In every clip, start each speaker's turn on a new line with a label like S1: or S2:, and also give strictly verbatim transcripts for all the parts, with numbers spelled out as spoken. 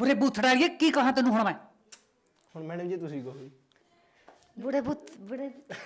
S1: बुरे बूथड़ा ये की कहा तेन हुण मैं
S2: ਹੁਣ ਮੈਡਮ ਜੀ ਤੁਸੀਂ ਕਹੋ ਜੀ
S3: ਬੁੜੇ ਬੁੱਤ ਬੁੜੇ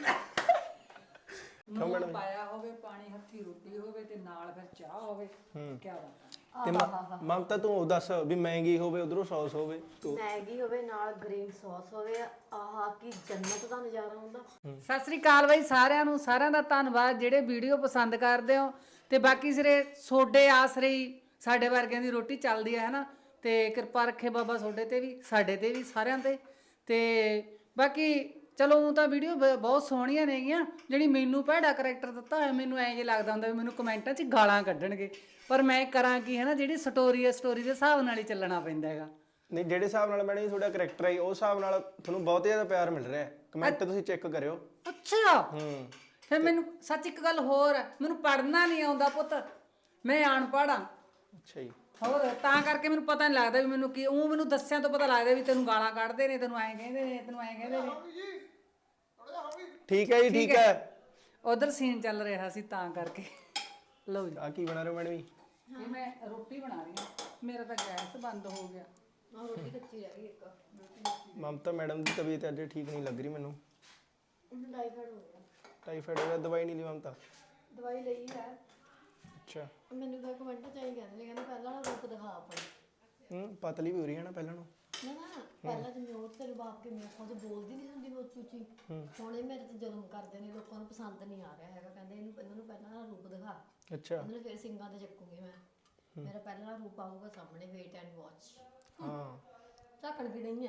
S1: ਨੂਣ ਪਾਇਆ ਹੋਵੇ ਪਾਣੀ ਹੱਥੀ ਰੋਟੀ ਹੋਵੇ ਤੇ ਨਾਲ ਫਿਰ ਚਾਹ ਹੋਵੇ ਕੀ ਬਾਤ
S2: ਤੇ ਮ- ਮਮਤਾ ਤੂੰ ਉਹ ਦੱਸ ਵੀ ਮਹਿੰਗੀ ਹੋਵੇ ਉਧਰੋਂ ਸੌਸ ਹੋਵੇ ਤੂੰ
S3: ਮੈਗੀ ਹੋਵੇ ਨਾਲ ਗ੍ਰੀਨ ਸੌਸ ਹੋਵੇ ਆਹ ਕੀ ਜੰਨਤ ਦਾ ਨਜ਼ਾਰਾ ਹੁੰਦਾ।
S1: ਸਤਿ ਸ੍ਰੀ ਅਕਾਲ ਬਾਈ ਸਾਰਿਆਂ ਨੂੰ ਸਾਰਿਆਂ ਦਾ ਧੰਨਵਾਦ ਜਿਹੜੇ ਵੀਡੀਓ ਪਸੰਦ ਕਰਦੇ ਹੋ ਤੇ ਬਾਕੀ ਸਿਰੇ ਸੋਡੇ ਆਸਰੇ ਹੀ ਸਾਡੇ ਵਰਗਿਆਂ ਦੀ ਰੋਟੀ ਚੱਲਦੀ ਹੈ ਹਨਾ ਤੇ ਕਿਰਪਾ ਰੱਖੇ ਬਾਬਾ ਸੋਡੇ ਤੇ ਵੀ ਸਾਡੇ ਤੇ ਵੀ ਸਾਰਿਆਂ ਤੇ ਤੇ ਬਾਕੀ ਚਲੋ ਉਹ ਤਾਂ ਵੀਡੀਓ ਬਹੁਤ ਸੋਹਣੀਆਂ ਨੇਗੀਆਂ ਜਿਹੜੀ ਮੈਨੂੰ ਭੈੜਾ ਕਰੈਕਟਰ ਦਿੱਤਾ ਹੋਇਆ ਮੈਨੂੰ ਐਂ ਜੇ ਲੱਗਦਾ ਹੁੰਦਾ ਵੀ ਮੈਨੂੰ ਕਮੈਂਟਾਂ 'ਚ ਗਾਲਾਂ ਕੱਢਣਗੇ ਪਰ ਮੈਂ ਕਰਾਂ ਕੀ ਹੈ ਨਾ ਜਿਹੜੀ ਸਟੋਰੀ ਹੈ ਸਟੋਰੀ ਦੇ ਹਿਸਾਬ ਨਾਲ ਹੀ ਚੱਲਣਾ ਪੈਂਦਾ ਹੈਗਾ।
S2: ਨਹੀਂ ਜਿਹੜੇ ਹਿਸਾਬ ਨਾਲ ਮੈਡਮ ਜੀ ਤੁਹਾਡਾ ਕਰੈਕਟਰ ਹੈ ਉਸ ਹਿਸਾਬ ਨਾਲ ਤੁਹਾਨੂੰ ਬਹੁਤ ਜ਼ਿਆਦਾ ਪਿਆਰ ਮਿਲ ਰਿਹਾ ਹੈ ਕਮੈਂਟ ਤੁਸੀਂ ਚੈੱਕ ਕਰਿਓ।
S1: ਅੱਛਾ
S2: ਹੂੰ
S1: ਫਿਰ ਮੈਨੂੰ ਸੱਚ ਇੱਕ ਗੱਲ ਹੋਰ ਹੈ ਮੈਨੂੰ ਪੜ੍ਹਨਾ ਨਹੀਂ ਆਉਂਦਾ ਪੁੱਤ ਮੈਂ ਅਨਪੜ੍ਹ ਹਾਂ
S2: ਅੱਛਾ ਜੀ
S1: ਹੋਰ ਤਾਂ ਕਰਕੇ ਮੈਨੂੰ ਪਤਾ ਨਹੀਂ ਲੱਗਦਾ ਵੀ ਮੈਨੂੰ ਕੀ ਉਹ ਮੈਨੂੰ ਦੱਸਿਆ ਤੋਂ ਪਤਾ ਲੱਗਦਾ ਵੀ ਤੈਨੂੰ ਗਾਲਾਂ ਕੱਢਦੇ ਨੇ ਤੈਨੂੰ ਐਂ ਕਹਿੰਦੇ ਨੇ ਤੈਨੂੰ ਐਂ ਕਹਿੰਦੇ ਨੇ
S2: ਠੀਕ ਹੈ ਜੀ ਠੀਕ ਹੈ।
S1: ਉਧਰ ਸੀਨ ਚੱਲ ਰਿਹਾ ਸੀ ਤਾਂ ਕਰਕੇ ਲਓ ਜੀ
S2: ਆ ਕੀ ਬਣਾ ਰਹੇ ਹੋ ਮੈਡਮ ਜੀ?
S1: ਇਹ ਮੈਂ ਰੋਟੀ ਬਣਾ ਰਹੀ ਹਾਂ ਮੇਰਾ ਤਾਂ ਗੈਸ ਬੰਦ ਹੋ ਗਿਆ
S3: ਆਹ ਰੋਟੀ ਕੱਚੀ ਰਹਿ ਗਈ ਇੱਕ
S2: ਮਮਤਾ ਮੈਡਮ ਦੀ ਤਬੀਅਤ ਅੱਜ ਠੀਕ ਨਹੀਂ ਲੱਗ ਰਹੀ ਮੈਨੂੰ
S3: ਟਾਈਫਾਇਡ ਹੋ ਗਿਆ।
S2: ਟਾਈਫਾਇਡ ਹੋ ਗਿਆ ਦਵਾਈ ਨਹੀਂ ਲਈ ਮਮਤਾ?
S3: ਦਵਾਈ ਲਈ ਹੈ
S2: ਅੱਛਾ
S3: ਮੈਨੂੰ ਤਾਂ ਕਮੈਂਟ ਚ ਆਈ ਕਹਿੰਦੇ ਨੇ ਕਹਿੰਦੇ ਪਹਿਲਾਂ ਨਾ ਰੂਪ ਦਿਖਾ ਆਪਣੀ
S2: ਹੂੰ ਪਤਲੀ ਵੀ ਹੋ ਰਹੀ ਹੈ ਨਾ ਪਹਿਲਾਂ ਨੂੰ
S3: ਨਾ ਨਾ ਪਹਿਲਾਂ ਜਿਵੇਂ ਉਹ ਤੇਰੇ ਬਾਪ ਕੇ ਮੇਰੇ ਕੋਲ ਬੋਲਦੀ ਨਹੀਂ ਹੁੰਦੀ ਉੱਚੀ ਉੱਚੀ ਹੁਣ ਇਹ ਮੇਰੇ ਤੇ ਜ਼ੁਲਮ ਕਰਦੇ ਨੇ ਲੋਕਾਂ ਨੂੰ ਪਸੰਦ ਨਹੀਂ ਆ ਰਿਹਾ ਹੈਗਾ ਕਹਿੰਦੇ ਇਹਨੂੰ ਇਹਨਾਂ ਨੂੰ ਪਹਿਲਾਂ ਨਾ ਰੂਪ ਦਿਖਾ
S2: ਅੱਛਾ
S3: ਇਹਨਾਂ ਨੂੰ ਫਿਰ ਸਿੰਘਾਂ ਤੇ ਚੱਕੂਗੀ ਮੈਂ ਮੇਰਾ ਪਹਿਲਾਂ ਰੂਪ ਆਊਗਾ ਸਾਹਮਣੇ ਵੇਟ ਐਂਡ ਵਾਚ
S2: ਹਾਂ
S3: ਝਾਕਣ ਵੀ ਨਹੀਂ ਹੈ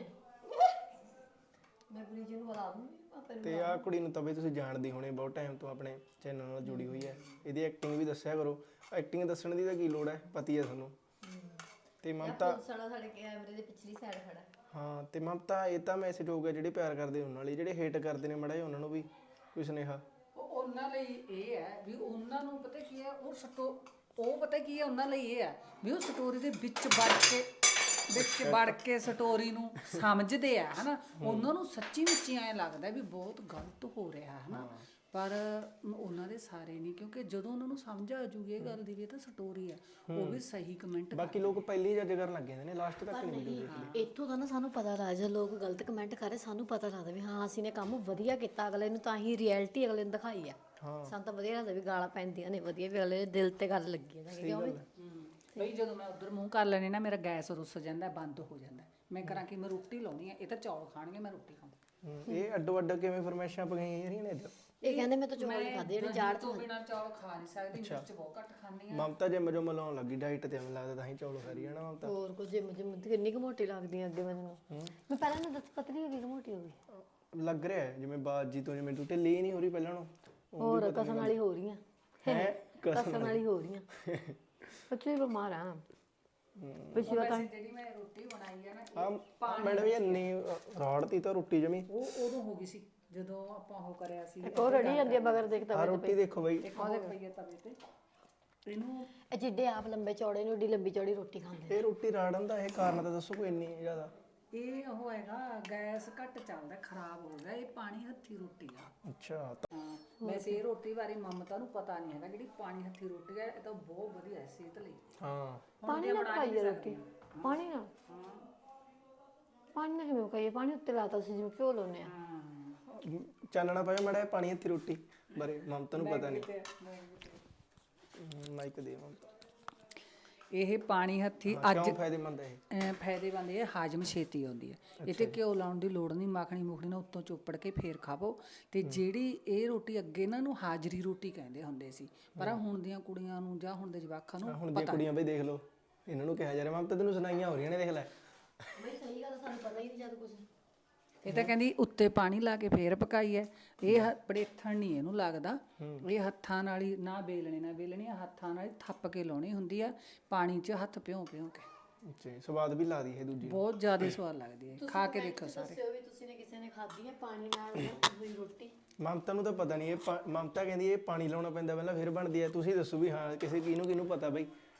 S3: ਮੈਂ ਪੂਰੀ ਜੀ ਨੂੰ ਬੁਲਾ ਦੂੰਗੀ ਆਪੇ ਨੂੰ
S2: ਤੇ ਆ ਕੁੜੀ ਨੂੰ ਤਾਂ ਬਈ ਤੁਸੀਂ ਜਾਣਦੀ ਹੋਣੇ ਬਹੁਤ ਟਾਈਮ ਤੋਂ ਆਪਣੇ ਚੈਨਲ ਨਾਲ ਜੁੜੀ ਹੋਈ ਹੈ ਇਹਦੀ ਐਕਟਿੰਗ ਵੀ ਦੱਸਿਆ ਕਰੋ ਐਕਟਿੰਗ ਦੱਸਣ ਦੀ ਤਾਂ ਕੀ ਲੋੜ ਹੈ ਪਤੀ ਹੈ ਤੁਹਾਨੂੰ ਤੇ ਮਮਤਾ
S3: ਸਾਡਾ ਸਾਡੇ ਕੈਮਰੇ ਦੇ ਪਿਛਲੀ ਸਾਈਡ ਖੜਾ ਹੈ।
S2: ਹਾਂ ਤੇ ਮਮਤਾ ਇਹ ਤਾਂ ਮੈਸੇਜ ਹੋਊਗਾ ਜਿਹੜੇ ਪਿਆਰ ਕਰਦੇ ਉਹਨਾਂ ਲਈ ਜਿਹੜੇ ਹੇਟ ਕਰਦੇ ਨੇ ਮੜਾ ਜਿਹਾ ਉਹਨਾਂ ਨੂੰ ਵੀ ਕੋਈ ਸੁਨੇਹਾ
S1: ਉਹ ਉਹਨਾਂ ਲਈ ਇਹ ਹੈ ਵੀ ਉਹਨਾਂ ਨੂੰ ਪਤਾ ਕੀ ਹੈ ਉਹ ਸਟੋ ਉਹ ਪਤਾ ਕੀ ਹੈ ਉਹਨਾਂ ਲਈ ਇਹ ਹੈ ਵੀ ਉਹ ਸਟੋਰੀ ਦੇ ਵਿੱਚ ਵੜ ਕੇ ਵਿੱਚ ਵੜ ਕੇ ਸਟੋਰੀ ਨੂੰ ਸਮਝਦੇ ਆ ਹਨਾ ਉਹਨਾਂ ਨੂੰ ਸੱਚੀ ਮੁੱਚੀ ਐਂ ਲੱਗਦਾ ਵੀ ਬਹੁਤ ਗਲਤ ਹੋ ਰਿਹਾ ਹਨਾ ਪਰ ਉਹਨਾਂ ਦੇ ਸਾਰੇ ਨਹੀਂ ਕਿਉਂਕਿ ਜਦੋਂ ਉਹਨਾਂ ਨੂੰ ਸਮਝ ਆ ਜੂਗੀ ਇਹ ਗੱਲ ਦੀ ਵੀ ਇਹ ਤਾਂ ਸਟੋਰੀ ਆ ਉਹ ਵੀ ਸਹੀ ਕਮੈਂਟ
S2: ਬਾਕੀ ਲੋਕ ਪਹਿਲੀ ਜੱਜ ਕਰਨ ਲੱਗ ਜਾਂਦੇ ਨੇ ਲਾਸਟ ਤੱਕ ਨਹੀਂ ਵੀਡੀਓ ਦੇਖਦੇ
S3: ਇੱਥੋਂ ਦਾ ਨਾ ਸਾਨੂੰ ਪਤਾ ਲੱਗਦਾ ਲੋਕ ਗਲਤ ਕਮੈਂਟ ਕਰ ਰਹੇ ਸਾਨੂੰ ਪਤਾ ਲੱਗਦਾ ਵੀ ਹਾਂ ਅਸੀਂ ਨੇ ਕੰਮ ਵਧੀਆ ਕੀਤਾ ਅਗਲੇ ਨੂੰ ਤਾਂ ਹੀ ਰਿਐਲਿਟੀ ਅਗਲੇ ਨੂੰ ਦਿਖਾਈ ਆ ਸਾਨੂੰ ਤਾਂ ਵਧੀਆ ਲੱਗਦਾ ਵੀ ਗਾਲਾਂ ਪੈਂਦੀਆਂ ਨੇ ਵਧੀਆ ਵੀ ਅਗਲੇ ਦੇ ਦਿਲ ਤੇ ਗੱਲ ਲੱਗੀ ਹੈ ਕਿਉਂ ਵੀ
S1: ਬਈ ਜਦੋਂ ਮੈਂ ਉਧਰ ਮੂੰਹ ਕਰ ਲੈਣੀ ਨਾ ਮੇਰਾ ਗੈਸ ਰੁੱਸ ਜਾਂਦਾ ਬੰਦ ਹੋ ਜਾਂਦਾ ਮੈਂ ਕਰਾਂ ਕਿ ਮੈਂ ਰੋਟੀ ਲਾਉਣੀ ਆ ਇਹ ਤਾਂ ਚੌਲ ਖਾਣਗੇ ਮੈਂ ਰੋਟੀ ਖਾਵਾਂ
S2: ਇਹ ਅੱਡੋ ਅੱਡ ਕਿਵੇਂ ਫਰਮੈਸ਼ਾਂ ਪਗਾਈਆਂ ਜਾ ਰਹੀਆਂ ਨੇ ਇੱਧਰ
S3: ਇਹ ਕਹਿੰਦੇ ਮੈਂ ਤਾਂ ਚੌਲ ਹੀ ਖਾਦੇ ਜਿਹੜੇ ਜਾੜ
S1: ਤੋਂ ਬਿਨਾ ਚੌਲ ਖਾ ਨਹੀਂ ਸਕਦੀ ਮਿਰਚ ਬਹੁਤ ਘੱਟ ਖਾਂਦੀ ਆ
S2: ਮਮਤਾ ਜਿਮ ਜੋ ਮਲਾਉਣ ਲੱਗੀ ਡਾਈਟ ਤੇ ਮੈਨੂੰ ਲੱਗਦਾ ਤਾਂ ਹੀ ਚੌਲ ਖਾ ਰਹੀ ਹੈ ਨਾ ਮਮਤਾ
S3: ਹੋਰ ਕੁਝ ਜਿਮ ਜਿਮ ਕਿੰਨੀ ਕੁ ਮੋਟੀ ਲੱਗਦੀ ਆ ਅੱਗੇ ਮੈਨੂੰ ਮੈਂ ਪਹਿਲਾਂ ਨਾ ਦੱਸ ਪਤਲੀ ਹੋ ਗਈ ਕਿ ਮੋਟੀ ਹੋ ਗਈ
S2: ਲੱਗ ਰਿਹਾ ਹੈ ਜਿਵੇਂ ਬਾਜੀ ਤੋਂ ਜਿਵੇਂ ਟੁੱਟੇ ਲੀ ਨਹੀਂ ਹੋ ਰਹੀ ਪਹਿਲਾਂ ਨੂੰ
S3: ਹੋਰ ਕਸਮ ਵਾਲੀ ਹੋ ਰਹੀਆਂ
S2: ਹੈ
S3: ਕਸਮ ਵਾਲੀ ਹੋ ਰਹੀਆਂ ਸੱਚੀ ਬਿਮਾਰ ਆ ਪਿਛਲੀ ਵਾਰ ਤਾਂ
S1: ਜਿਹੜੀ ਮੈਂ ਰੋਟੀ ਬਣਾਈ ਆ ਨਾ
S2: ਹਾਂ ਮੈਡਮ ਇਹ ਨੀ ਰੋੜ ਤੀ ਤਾਂ ਰੋਟੀ ਜਮੀ
S1: ਉਹ ਉਦੋਂ ਹੋ ਗਈ ਸੀ ਜਦੋਂ ਆਪਾਂ ਉਹ ਕਰਿਆ ਸੀ
S3: ਉਹ ਰੜੀ ਜਾਂਦੀ ਆ ਮਗਰ ਦੇਖਦਾ
S2: ਆ ਰੋਟੀ ਦੇਖੋ ਬਈ
S1: ਇੱਕ ਹੋਰ ਪਈ ਹੈ ਤਵੇ ਤੇ ਇਹਨੂੰ
S3: ਇਹ ਜਿੱਡੇ ਆਪ ਲੰਬੇ ਚੌੜੇ ਨੇ ਓਡੀ ਲੰਬੀ ਚੌੜੀ ਰੋਟੀ ਖਾਂਦੇ
S2: ਇਹ ਰੋਟੀ ਰਾੜਨ ਦਾ ਇਹ ਕਾਰਨ ਤਾਂ ਦੱਸੋ ਕੋਈ ਇੰਨੀ ਜ਼ਿਆਦਾ
S1: ਇਹ ਉਹ ਹੈਗਾ ਗੈਸ ਘੱਟ ਚੱਲਦਾ ਖਰਾਬ ਹੋ ਗਿਆ ਇਹ ਪਾਣੀ ਹੱਥੀ ਰੋਟੀ ਆ
S2: ਅੱਛਾ
S1: ਹਾਂ ਵੈਸੇ ਇਹ ਰੋਟੀ ਬਾਰੇ ਮਮਤਾ ਨੂੰ ਪਤਾ ਨਹੀਂ ਹੈਗਾ ਜਿਹੜੀ ਪਾਣੀ ਹੱਥੀ ਰੋਟੀ ਹੈ ਇਹ ਤਾਂ ਬਹੁਤ ਵਧੀਆ ਹੈ ਸਿਹਤ ਲਈ
S2: ਹਾਂ
S3: ਪਾਣੀ ਨਾਲ ਖਾਈਏ ਰੋਟੀ ਪਾਣੀ ਨਾਲ ਪਾਣੀ ਨਾਲ ਕਿਵੇਂ ਖਾਈਏ ਪਾਣੀ ਉੱਤੇ ਲਾਤਾ ਸੀ ਜਿਵੇਂ ਘਿਓ ਲਾਉਂਦੇ ਆ
S2: ਚਾਨਣਾ ਪਾਇਆ ਮੜਾ ਪਾਣੀ ਹੱਥੀ ਰੋਟੀ ਬਾਰੇ ਮਮਤਾ ਨੂੰ ਪਤਾ ਨਹੀਂ ਮਾਈਕ ਦੇ ਮਮਤਾ
S1: ਇਹ ਪਾਣੀ ਹੱਥੀ ਅੱਜ
S2: ਕਿਉਂ ਫਾਇਦੇਮੰਦ ਹੈ ਇਹ
S1: ਅਹ ਫਾਇਦੇਮੰਦ ਇਹ ਹਾਜ਼ਮ ਛੇਤੀ ਆਉਂਦੀ ਹੈ ਇਹ ਤੇ ਘਿਓ ਲਾਉਣ ਦੀ ਲੋੜ ਨਹੀਂ ਮੱਖਣੀ ਮੁਖਣੀ ਨਾਲ ਉੱਤੋਂ ਚੋਪੜ ਕੇ ਫੇਰ ਖਾਵੋ ਤੇ ਜਿਹੜੀ ਇਹ ਰੋਟੀ ਅੱਗੇ ਇਹਨਾਂ ਨੂੰ ਹਾਜ਼ਰੀ ਰੋਟੀ ਕਹਿੰਦੇ ਹੁੰਦੇ ਸੀ ਪਰ ਹੁਣ ਦੀਆਂ ਕੁੜੀਆਂ ਨੂੰ ਜਾਂ ਹੁਣ ਦੇ ਜਵਾਕਾਂ ਨੂੰ
S2: ਹੁਣ ਦੀਆਂ ਕੁੜੀਆਂ ਬਈ ਦੇਖ ਲਓ ਇਹਨਾਂ ਨੂੰ ਕਿਹਾ ਜਾ ਰਿਹਾ ਮਮਤਾ ਤੈਨੂੰ ਸੁਣਾਈਆਂ ਹੋ ਰਹੀਆਂ ਨੇ ਦੇਖ ਲੈ
S3: ਬਈ ਸਹੀ ਗੱਲ ਸਾਨੂੰ ਪਤਾ ਹੀ ਨਹੀਂ ਜਦ ਕੁਝ
S1: ਇਹ ਤਾਂ ਕਹਿੰਦੀ ਉੱਤੇ ਪਾਣੀ ਲਾ ਕੇ ਫੇਰ ਪਕਾਈ ਹੈ ਇਹ ਪੜੇਥਣ ਨਹੀਂ ਇਹਨੂੰ ਲੱਗਦਾ ਇਹ ਹੱਥਾਂ ਨਾਲ ਹੀ ਨਾ ਬੇਲਣੇ ਨਾ ਬੇਲਣੀ ਹੱਥਾਂ ਨਾਲ ਥੱਪ ਕੇ ਲਾਉਣੀ ਹੁੰਦੀ ਆ ਪਾਣੀ 'ਚ ਹੱਥ ਭਿਉਂ ਭਿਉਂ ਕੇ
S2: ਅੱਛਾ ਸਵਾਦ ਵੀ ਲਾ ਦੀ ਹੈ ਦੂਜੀ
S1: ਬਹੁਤ ਜ਼ਿਆਦਾ ਸਵਾਦ ਲੱਗਦੀ ਹੈ ਖਾ ਕੇ ਦੇਖੋ ਸਾਰੇ
S3: ਦੱਸਿਓ ਵੀ ਤੁਸੀਂ ਨੇ ਕਿਸੇ ਨੇ ਖਾਧੀ ਹੈ ਪਾਣੀ ਨਾਲ ਹੋਈ ਰੋਟੀ
S2: ਮਮਤਾ ਨੂੰ ਤਾਂ ਪਤਾ ਨਹੀਂ ਇਹ ਮਮਤਾ ਕਹਿੰਦੀ ਇਹ ਪਾਣੀ ਲਾਉਣਾ ਪੈਂਦਾ ਪਹਿਲਾਂ ਫਿਰ ਬਣਦੀ ਹੈ ਤੁਸੀਂ ਦੱਸੋ ਵੀ ਹਾਂ ਕਿਸੇ ਕਿਹਨੂੰ ਕਿਹਨੂੰ ਪਤਾ ਬਈ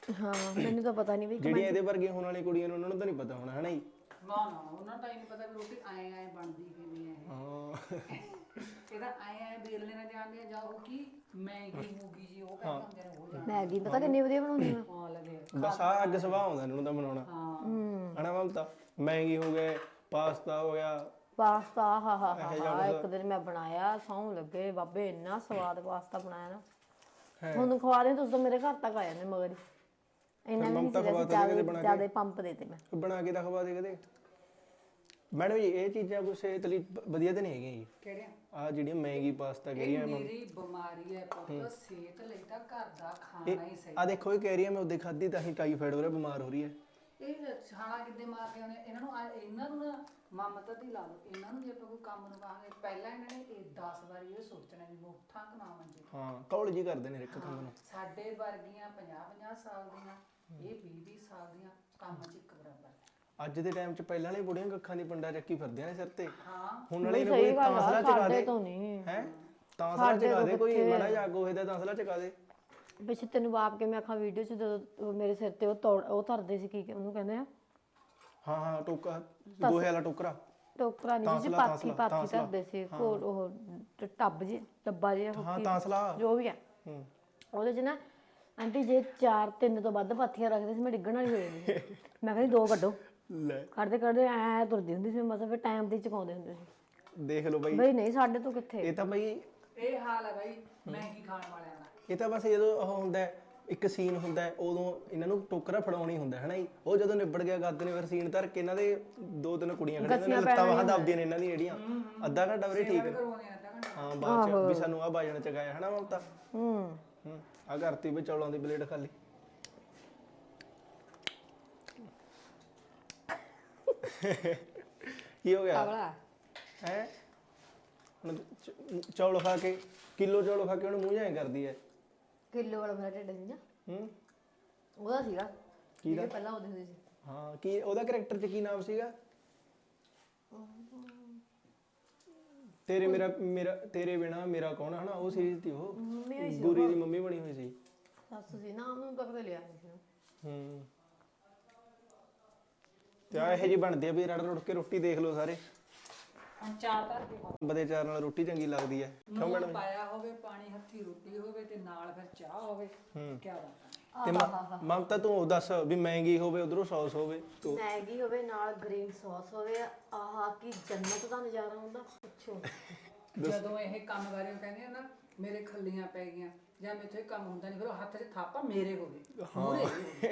S3: ਹਾਂ ਮੈਨੂੰ ਤਾਂ ਪਤਾ ਨਹੀਂ ਵੀ
S2: ਜਿਹੜੀਆਂ ਇਹਦੇ ਵਰਗੀਆਂ ਹੋਣ ਵਾਲੀਆਂ ਕੁੜੀਆਂ ਨੇ ਉਹਨਾਂ ਨੂੰ ਤਾਂ ਨਹੀਂ ਪਤਾ ਹੋਣਾ ਹਨਾ ਜੀ।
S1: ਨਾ ਨਾ ਉਹਨਾਂ ਤਾਂ ਹੀ ਨਹੀਂ ਪਤਾ ਵੀ ਰੋਟੀ ਆਏ ਆਏ ਬਣਦੀ ਕਿਵੇਂ ਹੈ
S2: ਹਾਂ
S1: ਇਹਦਾ ਆਏ ਆਏ ਬੇਲਣੇ ਨਾਲ ਜਾਂਦੇ ਆ ਜਾਂ ਉਹ ਕੀ ਮੈਗੀ ਮੂਗੀ ਜੀ ਉਹ ਕਹਿੰਦੇ ਹੁੰਦੇ ਨੇ ਉਹ ਜਾਣ
S3: ਮੈਗੀ ਪਤਾ ਕਿੰਨੀ ਵਧੀਆ ਬਣਾਉਂਦੀ ਆ
S1: ਹਾਂ ਲੱਗੇ
S2: ਬਸ ਆ ਅੱਗ ਸੁਭਾਅ ਆਉਂਦਾ ਇਹਨਾਂ ਨੂੰ ਤਾਂ ਬਣਾਉਣਾ
S3: ਹੂੰ
S2: ਹਨਾ ਮਮਤਾ। ਮੈਗੀ ਹੋ ਗਏ, ਪਾਸਤਾ ਹੋ ਗਿਆ,
S3: ਪਾਸਤਾ ਹਾ ਹਾ ਹਾ ਇੱਕ ਦਿਨ ਮੈਂ ਬਣਾਇਆ ਸੌਂ ਲੱਗੇ ਬਾਬੇ ਇੰਨਾ ਸਵਾਦ ਪਾਸਤਾ ਬਣਾਇਆ ਨਾ ਤੁਹਾਨੂੰ ਖਵਾ ਦੇ ਤੁਸੀਂ ਤਾਂ ਮੇਰੇ ਘਰ ਤੱਕ ਆ ਜਾਂਦੇ ਮਗਰ ਹੀ ਇੰਨਾ ਨਹੀਂ ਸੀ ਜਿਆਦਾ ਪੰਪ ਦੇ ਤੇ ਮੈਂ
S2: ਬਣਾ ਕੇ ਤਾਂ ਖਵਾ ਦੇ ਕਦੇ। ਮੈਡਮ ਜੀ ਇਹ ਚੀਜ਼ਾਂ ਕੋਈ ਸਿਹਤ ਲਈ ਬ- ਵਧੀਆ ਤਾਂ ਨਹੀਂ ਹੈਗੀਆਂ ਜੀ।
S1: ਕਿਹੜਿਆਂ
S2: ਆ ਜਿਹੜੀਆਂ ਮੈਗੀ ਪਾਸਤਾ ਕਿਹੜੀਆਂ
S1: ਮੇਰੀ ਬਿਮਾਰੀ ਹੈ ਪੁੱਤ ਸਿਹਤ ਲਈ ਤਾਂ ਘਰ ਦਾ ਖਾਣਾ ਹੀ ਸਹੀ
S2: ਆ ਦੇਖੋ ਇਹ ਕਹਿ ਰਹੀ ਹੈ ਮੈਂ ਉਹਦੇ ਖਾਧੀ ਤਾਂ ਹੀ ਟਾਈਫਾਇਡ ਹੋ ਰਿਹਾ, ਬਿਮਾਰ ਹੋ ਰਹੀ ਹੈ।
S1: ਇਹ ਛਾਣਾ ਕਿੱਦੇ ਮਾਰ ਕੇ ਆਉਣੇ ਇਹਨਾਂ ਨੂੰ ਆ- ਇਹਨਾਂ ਨੂੰ ਨਾ ਮਮਤਾ ਦੀ ਲਾ ਲਓ ਇਹਨਾਂ ਨੂੰ ਜੇ ਆਪਾਂ ਕੋਈ ਕੰਮ ਨੂੰ ਕਹਾਂਗੇ ਪਹਿਲਾਂ ਇਹਨਾਂ ਨੇ ਇਹ ਦਸ ਵਾਰੀ ਇਹ ਸੋਚਣਾ ਵੀ ਮੈਂ ਉੱਠਾਂ ਕਿ ਨਾ ਮੰਜੇ
S2: ਹਾਂ ਕੌਲ ਜੀ ਕਰਦੇ ਨੇ ਇੱਕ ਕੰਮ ਨੂੰ।
S1: ਸਾਡੇ ਵਰਗੀਆਂ ਪੰਜਾਹ ਪੰਜਾਹ ਸਾਲ ਦੀਆਂ ਇਹ ਵੀਹ ਵੀਹ ਸਾਲ ਦੀਆਂ ਕੰਮ 'ਚ ਇੱਕ ਬਰਾਬਰ
S2: ਅੱਜ ਦੇ ਟਾਈਮ 'ਚ ਪਹਿਲਾਂ ਵਾਲੀ ਬੁੜੀਆਂ ਕੱਖਾਂ ਦੀ ਪੰਡਾ ਚੱਕੀ ਫਿਰਦੀਆਂ ਨੇ ਸਿਰ ਤੇ।
S1: ਹਾਂ
S2: ਹੁਣ ਵਾਲੇ ਨੂੰ ਕੋਈ ਤਾਂਸਲਾ ਚਕਾ
S3: ਸਾਡੇ
S2: ਦੇ
S3: ਤੋਂ ਨਹੀਂ
S2: ਹੈ ਤਾਂਸਲਾ ਚਕਾ ਦੇ ਕੋਈ ਮੜਾ ਜਾ ਗੋਹੇ ਦਾ ਤਾਂਸਲਾ ਚਕਾ ਦੇ।
S3: ਪਿੱਛੇ ਤੈਨੂੰ ਬਾਪ ਕੇ ਮੈਂ ਆਖਾਂ ਵੀਡੀਓ 'ਚ ਜਦੋਂ ਉਹ ਮੇਰੇ ਸਿਰ ਤੇ ਉਹ ਤੋੜ ਉਹ ਧਰਦੇ ਸੀ ਕੀ ਉਹਨੂੰ ਕਹਿੰਦੇ ਆ
S2: ਹਾਂ ਹਾਂ ਟੋਕਾ ਗੋਹੇ ਵਾਲਾ ਟੋਕਰਾ
S3: ਟੋਕਰਾ ਨਹੀਂ ਸੀ ਪਾਥੀ ਪਾਥੀ ਧਰਦੇ ਸੀ ਕੋਲ ਉਹ ਟ- ਟੱਬ ਜੀ ਡੱਬਾ ਜਿਹਾ
S2: ਹਾਂ ਤਾਂਸਲਾ
S3: ਜੋ ਵੀ ਆ
S2: ਹੂੰ
S3: ਉਹਦੇ 'ਚ ਨਾ ਆਂਟੀ ਜੇ ਚਾਰ ਤਿੰਨ ਤੋਂ ਵੱਧ ਪਾਥੀਆਂ ਰੱਖਦੇ ਸੀ ਮੈਂ ਡਿੱਗਣ ਵਾਲੀ ਹੋ ਜਾਂਦੀ ਸੀ ਮੈਂ ਕਹਿੰਦੀ ਦੋ ਕੱਢੋ
S2: ਲੈ
S3: ਕੱਢਦੇ ਕੱਢਦੇ ਐ ਤੁਰਦੀ ਹੁੰਦੀ ਸੀ ਮਸਾਂ ਫਿਰ ਟਾਈਮ ਤੇ ਹੀ ਚੁਕਾਉਂਦੇ ਹੁੰਦੇ ਸੀ
S2: ਦੇਖ ਲਓ ਬਾਈ
S3: ਬਈ ਨਹੀਂ ਸਾਡੇ ਤੋਂ ਕਿੱਥੇ
S2: ਇਹ ਤਾਂ ਬਈ
S1: ਇਹ ਹਾਲ ਹੈ ਬਾਈ ਮਹਿੰਗੀ ਖਾਣ ਵਾਲਿਆਂ ਦਾ
S2: ਇਹ ਤਾਂ ਬਸ ਜਦੋਂ ਉਹ ਹੁੰਦਾ ਹੈ, ਇੱਕ ਸੀਨ ਹੁੰਦਾ ਹੈ, ਉਦੋਂ ਇਹਨਾਂ ਨੂੰ ਟੋਕਰਾ ਫੜਾਉਣੀ ਹੁੰਦਾ ਹੈ ਨਾ ਜੀ। ਉਹ ਜਦੋਂ ਨਿਬੜ ਗਿਆ ਕਰਦੇ ਨੇ ਫਿਰ ਸੀਨ ਧਰ ਕੇ ਇਹਨਾਂ ਦੇ ਦੋ ਤਿੰਨ ਕੁੜੀਆਂ ਖੜੀਆਂ ਨੇ ਲੱਤਾਂ ਬਾਹਾਂ ਦੱਬਦੀਆਂ ਨੇ ਇਹਨਾਂ ਦੀਆਂ ਜਿਹੜੀਆਂ ਅੱਧਾ ਘੰਟਾ ਵੀਰੇ ਠੀਕ ਹੈ
S1: ਕਰਵਾਉਂਦੇ ਆ ਅੱਧਾ ਘੰਟਾ
S2: ਹਾਂ ਬਾਅਦ ਚ ਵੀ ਸਾਨੂੰ ਆ ਬਾਜਣ ਚਗਾਇਆ ਹਨਾ ਮਮਤਾ।
S3: ਹੂੰ
S2: ਹੂੰ ਆ ਕਰਤੀ ਵੀ ਚੌਲਾਂ ਦੀ ਪਲੇਟ ਖਾਲੀ। ਕੀ ਹੋ ਗਿਆ
S3: ਕਵਲਾ
S2: ਹੈ ਹੁਣ ਚ- ਚੌਲ ਖਾ ਕੇ ਕਿਲੋ ਚੌਲ ਖਾ ਕੇ ਉਹਨੂੰ ਮੂੰਹ ਜਾਏ ਕਰਦੀ ਹੈ।
S3: ਕਿਲੋ ਵਾਲਾ ਮੇਰਾ ਢਿੱਡ ਸੀ ਨਾ
S2: ਹੂੰ
S3: ਉਹਦਾ ਸੀਗਾ
S2: ਕਿਹਦਾ?
S3: ਜਿਹੜੇ ਪਹਿਲਾਂ ਉਹਦੇ ਹੁੰਦੇ ਸੀ
S2: ਹਾਂ ਕੀ ਉਹਦਾ ਕੈਰੈਕਟਰ ਚ ਕੀ ਨਾਮ ਸੀਗਾ? ਤੇਰੇ ਮੇਰਾ ਮੇਰਾ ਤੇਰੇ ਬਿਨਾ ਮੇਰਾ ਕੌਣ ਹਨਾ ਉਹ ਸੀਰੀਜ਼ ਸੀ ਉਹ
S3: ਮੰਮੀ ਹੋਈ ਸੀ
S2: ਗੁਰੀ ਦੀ ਮੰਮੀ ਬਣੀ ਹੋਈ ਸੀ।
S3: ਸੱਸ ਸੀ ਨਾ ਉਹਨੂੰ ਤੱਕ ਤੇ ਲਿਆ ਨਹੀਂ ਸੀ
S2: ਹੂੰ ਤੇ ਆ ਇਹ ਜੀ ਬਣਦੀ ਆ ਵੀ ਰੜ ਰੁੜ ਕੇ ਰੋਟੀ ਦੇਖ ਲਓ ਸਾਰੇ।
S1: ਹੁਣ ਚਾਰ ਧਰ ਕੇ ਖਾਓ।
S2: ਬਦੇ ਚਾਰ ਨਾਲ ਰੋਟੀ ਚੰਗੀ ਲੱਗਦੀ ਹੈ ਕਿਉਂ ਮੈਡਮ?
S1: ਪਾਇਆ ਹੋਵੇ ਪਾਣੀ ਹੱਥੀ ਰੋਟੀ ਹੋਵੇ ਤੇ ਨਾਲ ਫਿਰ ਚਾਹ ਹੋਵੇ
S2: ਹੂੰ
S1: ਕੀ ਬਾਤ ਹੈ।
S2: ਤੇ ਮ- ਮਮਤਾ ਤੂੰ ਉਹ ਦੱਸ ਵੀ ਮਹਿੰਗੀ ਹੋਵੇ ਉਧਰੋਂ ਸੌਸ ਹੋਵੇ ਤੂੰ
S3: ਮੈਗੀ ਹੋਵੇ ਨਾਲ ਗ੍ਰੀਨ ਸੌਸ ਹੋਵੇ ਆਹ ਕੀ ਜੰਨਤ ਦਾ ਨਜ਼ਾਰਾ ਹੁੰਦਾ ਪੁੱਛੋ
S1: ਜਦੋਂ ਇਹ ਕੰਮ ਬਾਰੇ ਉਹ ਕਹਿੰਦੇ ਆ ਨਾ ਮੇਰੇ ਖੱਲੀਆਂ ਪੈ ਗਈਆਂ ਜਾਂ ਮੇਥੋਂ ਇਹ ਕੰਮ ਹੁੰਦਾ ਨਹੀਂ ਫਿਰ ਉਹ ਹੱਥ 'ਚ ਥਾਪਾ ਮੇਰੇ ਹੋਵੇ ਮੂਹਰੇ ਹੋਵੇ।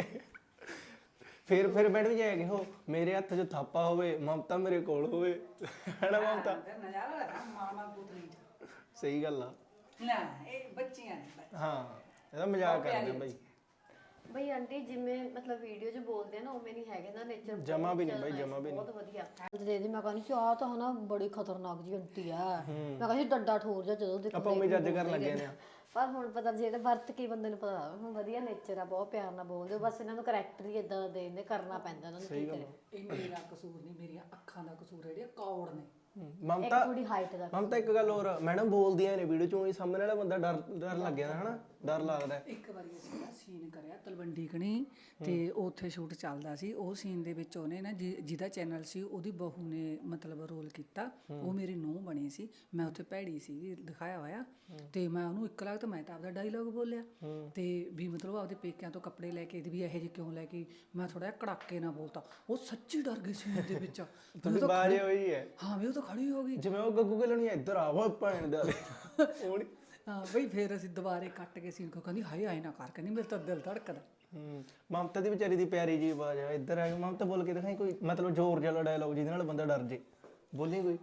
S2: ਫਿਰ ਫਿਰ ਮੈਡਮ ਜੀ ਕਿ ਹੋ ਮੇਰੇ ਹੱਥ 'ਚ ਥਾਪਾ ਹੋਵੇ ਮਮਤਾ ਮੇਰੇ ਕੋਲ ਹੋਵੇ ਹੈਨਾ ਮਮਤਾ?
S1: ਫਿਰ ਨਜ਼ਾਰਾ ਲੱਗਾ ਮਾਮਾ ਪੁੱਤਰੀ ਚ
S2: ਸਹੀ ਗੱਲ ਆ।
S1: ਨਾ ਇਹ ਬੱਚੀਆਂ ਨੇ
S2: ਹਾਂ ਇਹਦਾ ਮਜ਼ਾਕ ਕਰਦੇ ਆ ਬਾਈ।
S3: ਬਈ ਆਂਟੀ ਜਿਵੇਂ ਮਤਲਬ ਵੀਡੀਓ 'ਚ ਬੋਲਦੇ ਆ ਨਾ ਉਵੇਂ ਨਹੀਂ ਹੈਗੇ ਨਾ ਨੇਚਰ
S2: ਜਮਾ ਵੀ ਨਹੀਂ ਬਾਈ ਜਮਾ ਵੀ ਨਹੀਂ।
S3: ਬਹੁਤ ਵਧੀਆ ਦੇ ਦੇ ਮੈਂ ਕਹਿੰਦੀ ਸੀ ਆਹ ਤਾਂ ਹਨਾ ਬੜੀ ਖਤਰਨਾਕ ਜੀ ਆਂਟੀ ਆ ਮੈਂ ਕਹਿੰਦੀ ਡੱਡਾ ਠੋਰ ਜਾ ਜਦੋਂ ਦੇਖੋ
S2: ਆਪਾਂ ਉਵੇਂ ਜੱਜ ਕਰਨ ਲੱਗੇ ਨੇ।
S3: ਪਰ ਹੁਣ ਪਤਾ ਜਿਹੜਾ ਵਰਤ ਕੀ ਬੰਦੇ ਨੂੰ ਪਤਾ ਹੁਣ ਵਧੀਆ ਨੇਚਰ ਆ ਬਹੁਤ ਪਿਆਰ ਨਾਲ ਬੋਲਦੇ ਬਸ ਇਹਨਾਂ ਨੂੰ ਕਰੈਕਟਰ ਹੀ ਇਦਾਂ ਦਾ ਦੇ ਦਿੰਦੇ ਕਰਨਾ ਪੈਂਦਾ ਇਹਨਾਂ ਨੂੰ ਕੀ ਕਰੇ
S1: ਇਹ ਮੇਰਾ ਕਸੂਰ ਨਹੀਂ ਮੇਰੀਆਂ ਅੱਖਾਂ ਦਾ ਕਸੂਰ ਹੈ ਜਿਹੜੀਆਂ ਕੌੜ ਨੇ।
S2: ਹੂੰ,
S3: ਇੱਕ
S2: ਮਮਤਾ
S3: ਥੋੜੀ ਹਾਈਟ ਦਾ
S2: ਮਮਤਾ ਇੱਕ ਗੱਲ ਹੋਰ ਮੈਡਮ ਬੋਲਦੀਆਂ ਨੇ ਵੀਡੀਓ ਚੋਂ ਹੀ ਸਾਹਮਣੇ ਵਾਲਾ ਬੰਦਾ ਡਰ ਡਰ ਲੱਗ ਜਾਂਦਾ ਹਨਾ ਡਰ ਲੱਗਦਾ।
S1: ਇੱਕ ਵਾਰੀ ਅਸੀਂ ਨਾ ਸੀਨ ਕਰਿਆ ਤਲਵੰਡੀ ਕਣੀ ਤੇ ਉੱਥੇ ਸ਼ੂਟ ਚੱਲਦਾ ਸੀ ਉਹ ਸੀਨ ਦੇ ਵਿੱਚ ਉਹਨੇ ਨਾ ਜਿ- ਜਿਹਦਾ ਚੈਨਲ ਸੀ ਉਹਦੀ ਬਹੂ ਨੇ ਮਤਲਬ ਰੋਲ ਕੀਤਾ ਉਹ ਮੇਰੀ ਨੂੰਹ ਬਣੀ ਸੀ ਮੈਂ ਉੱਥੇ ਭੈੜੀ ਸੀ ਦਿਖਾਇਆ ਹੋਇਆ ਤੇ ਮੈਂ ਉਹਨੂੰ ਇੱਕ ਲੱਗ ਤਾਂ ਮੈਂ ਤਾਂ ਆਪਦਾ ਡਾਇਲੋਗ ਬੋਲਿਆ ਤੇ ਵੀ ਮਤਲਬ ਆਪਦੇ ਪੇਕਿਆਂ ਤੋਂ ਕੱਪੜੇ ਲੈ ਕੇ ਵੀ ਇਹੋ ਜਿਹੇ ਕਿਉਂ ਲੈ ਕੇ ਮੈਂ ਥੋੜਾ ਜਿਹਾ ਕੜਾਕੇ ਨਾਲ ਬੋਲਤਾ ਉਹ ਸੱਚੀ ਡਰ ਗਈ ਸੀਨ ਦੇ ਵਿੱਚ
S2: ਤੁਸੀਂ ਬਾਜੇ ਹੋਈ ਹੈ
S1: ਹਾਂ ਵੀ ਉਹ ਤਾਂ ਖੜੀ ਹੋ ਗਈ
S2: ਜਿਵੇਂ ਉਹ ਗੱਗੂ ਕੇ ਲਣੀ ਇੱਧਰ ਆ ਵਾ ਭੈਣ ਦਾ ਉਹ ਨੀ-
S1: ਹਾਂ ਬਈ ਫਿਰ ਅਸੀਂ ਦੁਬਾਰੇ ਕੱਟ ਕੇ ਸੀਨ ਕੋ ਕਹਿੰਦੀ ਹਾਏ ਆਏ ਨਾ ਕਰ ਕਹਿੰਦੀ ਮੇਰੇ ਤਾਂ ਦਿਲ ਧੜਕਦਾ।
S2: ਹੂੰ ਮਮਤਾ ਦੀ ਵਿਚਾਰੀ ਦੀ ਪਿਆਰੀ ਜੀ ਆਵਾਜ਼ ਆ ਇੱਧਰ ਆ ਕੇ ਮਮਤਾ ਬੋਲ ਕੇ ਦਿਖਾਈ ਕੋਈ ਮਤਲਬ ਜ਼ੋਰ ਜਿਹਾ ਡਾਇਲੌਗ ਜਿਹਦੇ ਨਾਲ ਬੰਦਾ ਡਰ ਜੇ ਬੋਲੀ ਕੋਈ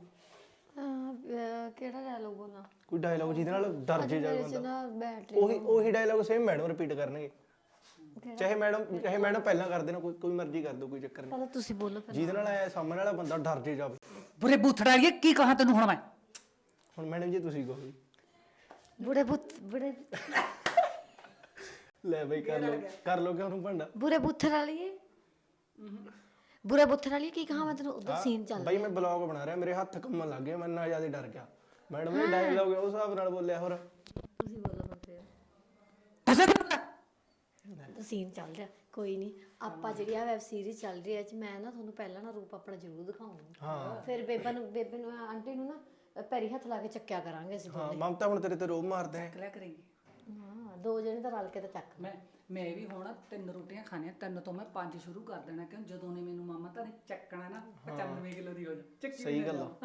S3: ਕਿਹੜਾ ਡਾਇਲੋਗ ਬੋਲਣਾ
S2: ਕੋਈ ਡਾਇਲੌਗ ਜਿਹਦੇ ਨਾਲ ਡਰ ਜੇ ਜਾ
S3: ਮੇਰੇ 'ਚ
S2: ਬੰਦਾ
S3: ਨਾ ਬੈਟਰੀ
S2: ਉਹੀ ਉਹੀ ਡਾਇਲੌਗ ਸੇਮ ਮੈਡਮ ਰਿਪੀਟ ਕਰਨਗੇ ਚਾਹੇ ਮੈਡਮ ਚਾਹੇ ਮੈਡਮ ਪਹਿਲਾਂ ਕਰ ਦੇਣਾ ਕੋਈ ਕੋਈ ਮਰਜ਼ੀ ਕਰ ਦੋ ਕੋਈ ਚੱਕਰ ਨਹੀਂ
S3: ਪਹਿਲਾਂ ਤੁਸੀਂ ਬੋਲੋ ਫਿਰ
S2: ਜਿਹਦੇ ਨਾਲ ਆਇਆ ਸਾਹਮਣੇ ਵਾਲਾ ਬੰਦਾ ਡਰ ਜੇ ਜਾਵੇ।
S1: ਬੁਰੇ ਬੂਥੜਾ ਇਹ ਕੀ ਕਹਾਂ ਤੈਨੂੰ ਹੁਣ ਮੈਂ
S2: ਹੁਣ ਮੈਡਮ ਜੀ ਤੁਸੀਂ ਕਹੋ ਜੀ।
S3: ਬੁੜੇ ਬੁੱਤ ਬੁੜੇ
S2: ਲੈ ਬਈ ਕਰ ਲੋ ਕਰ ਲੋ ਕਿ ਉਹਨੂੰ ਭੰਡਾ
S3: ਬੁਰੇ ਬੁੱਥਰ ਵਾਲੀਏ ਬੁਰੇ ਬੁੱਥਰ ਵਾਲੀਏ ਕੀ ਕਹਾਂ ਮੈਂ ਤੈਨੂੰ ਉਧਰ ਸੀਨ ਚੱਲ
S2: ਬਈ ਮੈਂ ਬਲੌਗ ਬਣਾ ਰਿਹਾ ਮੇਰੇ ਹੱਥ ਕੰਮਣ ਲੱਗ ਗਏ ਮੈਂ ਨਾ ਜਿਆਦਾ ਡਰ ਗਿਆ ਮੈਡਮ ਨੇ ਡਾਇਲੌਗ ਉਸ ਹਿਸਾਬ ਨਾਲ ਬੋਲਿਆ ਹੋਰ
S3: ਤੁਸੀਂ ਬੋਲੋ ਹੁਣ ਫਿਰ
S1: ਦੱਸੇ
S3: ਦੱਸੋ
S4: ਸੀਨ ਚੱਲ ਰਿਹਾ ਕੋਈ ਨਹੀਂ ਆਪਾਂ ਜਿਹੜੀ ਆ ਵੈਬ ਸੀਰੀਜ਼ ਚੱਲ ਰਹੀ ਹੈ ਚ ਮੈਂ ਨਾ ਤੁਹਾਨੂੰ ਪਹਿਲਾਂ ਨਾ ਰੂਪ ਆਪਣਾ ਜ਼ਰੂਰ ਦਿਖਾਉਂਗੀ
S2: ਹਾਂ
S4: ਫਿਰ ਬੇਬਾ ਨੂੰ ਬੇਬੇ ਨੂੰ ਆਂਟੀ ਨੂੰ ਨਾ ਪੈਰੀ ਹੱਥ ਲਾ ਕੇ ਚੱਕਿਆ ਕਰਾਂਗੇ ਅਸੀਂ
S2: ਹਾਂ ਮਮਤਾ ਹੁਣ ਤੇਰੇ ਤੇ ਰੋਬ ਮਾਰਦੇ ਨੇ
S1: ਕਲਿਆ ਕਰੇਗੀ
S4: ਹਾਂ ਦੋ ਜਣੇ ਤਾਂ ਰਲ ਕੇ ਤਾਂ ਚੱਕ
S1: ਮੈਂ ਮੈਂ ਵੀ ਹੁਣ ਤਿੰਨ ਰੋਟੀਆਂ ਖਾਣੀਆਂ ਤਿੰਨ ਤੋਂ ਮੈਂ ਪੰਜ ਸ਼ੁਰੂ ਕਰ ਦੇਣਾ ਕਿਉਂ ਜਦੋਂ ਨੇ ਮੈਨੂੰ ਮਾਮਾ ਤਾਂ ਨੇ ਚੱਕਣਾ ਨਾ ਪਚਾਨਵੇਂ ਕਿਲੋ ਦੀ ਹੋ ਜਾ ਚੱਕੀ
S2: ਸਹੀ ਗੱਲ ਆ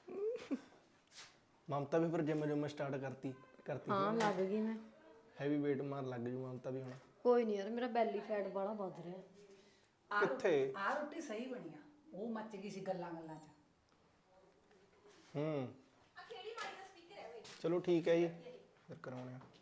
S2: ਮਮਤਾ ਵੀ ਫਿਰ ਜਿਮ ਜਿਮ ਸਟਾਰਟ ਕਰਤੀ ਕਰਤੀ
S4: ਹਾਂ ਲੱਗ ਗਈ ਮੈਂ
S2: ਹੈਵੀ weight ਮਾਰ ਲੱਗ ਜੂ ਮਮਤਾ ਵੀ ਹੁਣ
S4: ਕੋਈ ਨਹੀਂ ਯਾਰ ਮੇਰਾ ਬੈਲੀ ਫੈਟ ਬਾਲਾ ਵੱਧ ਰਿਹਾ
S2: ਕਿੱਥੇ
S1: ਆਹ ਰੋਟੀ ਸਹੀ ਬਣੀ ਆ ਉਹ ਮੱਚ ਗਈ ਸੀ ਗੱਲਾਂ ਗੱਲਾਂ 'ਚ
S2: ਹੂੰ ਚਲੋ ਠੀਕ ਹੈ ਜੀ ਫਿਰ ਕਰਾਉਣੇ ਆ